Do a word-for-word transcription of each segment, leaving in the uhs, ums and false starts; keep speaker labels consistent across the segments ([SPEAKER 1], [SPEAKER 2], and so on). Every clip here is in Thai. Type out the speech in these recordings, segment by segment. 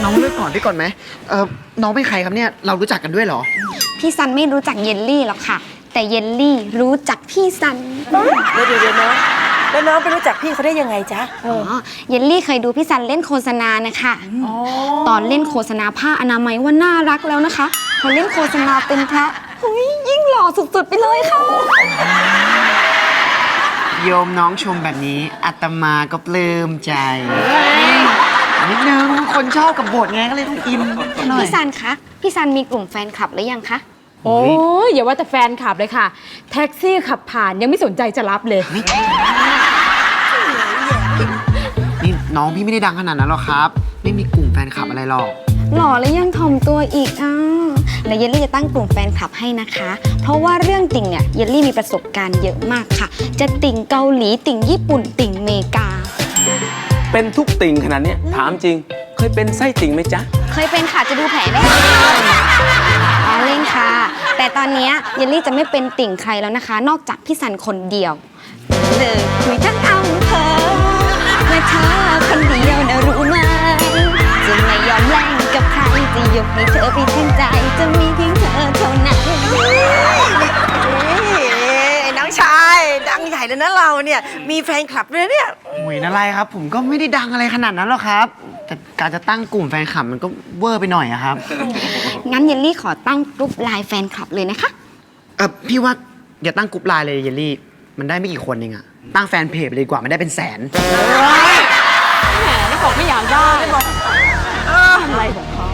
[SPEAKER 1] น้องเลือกก่อนได้ก่อนไหมเออน้องเป็นใครครับเนี่ยเรารู้จักกันด้วยเหรอ
[SPEAKER 2] พี่ซันไม่รู้จักเยลลี่หรอกค่ะ แต่เยลลี่รู้จักพี่ซัน
[SPEAKER 3] เดี๋ยวเดี๋ยวน้องแล้วน้องไปรู้จักพี่เขาได้ยังไงจ๊ะ
[SPEAKER 2] อ๋อเยลลี่เคยดูพี่ซันเล่นโฆษณานะคะตอนเล่นโฆษณาผ้าอนามัยว่าน่ารักแล้วนะคะพอเล่นโฆษณาเป็นพระหุยยิ่งหล่อสุดๆไปเลยค่ะ
[SPEAKER 1] โยมน้องชมแบบนี้อาตมาก็ปลื้มใจนิดนึงคนชอบกับบทไงก็เลยต้องอินหน่อย
[SPEAKER 2] พี่ซันคะพี่ซันมีกลุ่มแฟนคลับหรือยังคะ
[SPEAKER 4] โอ้ยอย่าว่าแต่แฟนขับเลยค่ะ แท็กซี่ขับผ่านยังไม่สนใจจะรับเลย
[SPEAKER 1] นี่น้องพี่ไม่ได้ดังขนาดนั้นหรอกครับไม่มีกลุ่มแฟนคลับอะไรหรอก
[SPEAKER 2] หล่อแล้วยังถ่อมตัวอีกอ่ะแล้วเยลลี่จะตั้งกลุ่มแฟนคลับให้นะคะ เพราะว่าเรื่องติ่งเนี่ยเยลลี่มีประสบการณ์เยอะมากค่ะ จะติ่งเกาหลีติ่งญี่ปุ่นติ่งเมกา
[SPEAKER 5] เป็นทุกติ่งขนาดนี้ถามจริงเคยเป็นไส้ติ่งไหมจ๊ะ
[SPEAKER 2] เคยเป็นค่ะจะดูแผลได้อ๋อเล่นค่ะแต่ตอนนี้เยลลี่จะไม่เป็นติ่งใครแล้วนะคะ นอกจากพี่ซันคนเดียวเลยคุยทั้งอำเภอเมื่อเธอคนเดียวนะรู้ไหมจะไม่ยอมแลกกับใครจะยกให้เธอไปทั้งใจจะมีเพียงเธอเท่านั้น
[SPEAKER 3] น้องชายดังใหญ่เลยนะเราเนี่ยมีแฟนคลับด้วยเนี่ย
[SPEAKER 1] โอ้ยอะไรครับผมก็ไม่ได้ดังอะไรขนาดนั้นหรอกครับแต่การจะตั้งกลุ่มแฟนคลับมันก็เวอร์ไปหน่อยอะครับ
[SPEAKER 2] งั้นเยลลี่ขอตั้งกรุ๊ปไลน์แฟนคลับเลยนะคะ
[SPEAKER 1] เออพี่ว่าอย่าตั้งกลุ่มไลน์เลยเยลลี่มันได้ไม่กี่คนเองอะตั้งแฟนเพจไปเลยดีกว่ามันได้เป็นแสน
[SPEAKER 4] แหมไม่บอกไม่อยากได้ไม่บอกอะไรของเขา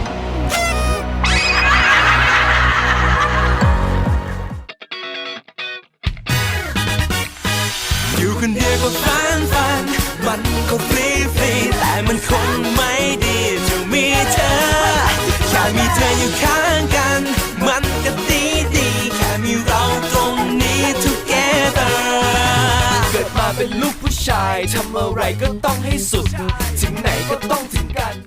[SPEAKER 6] อยู่คนเดียวก็ฟันฟันมันก็ฟรีฟรีแต่มันคงไม่ดีจะมีเธอแค่มีเธออยู่ข้างกันมันก็ดีดีแค่มีเราตรงนี้ together เกิดมาเป็นลูกผู้ชายทำอะไรก็ต้องให้สุดถึงไหนก็ต้องถึงกัน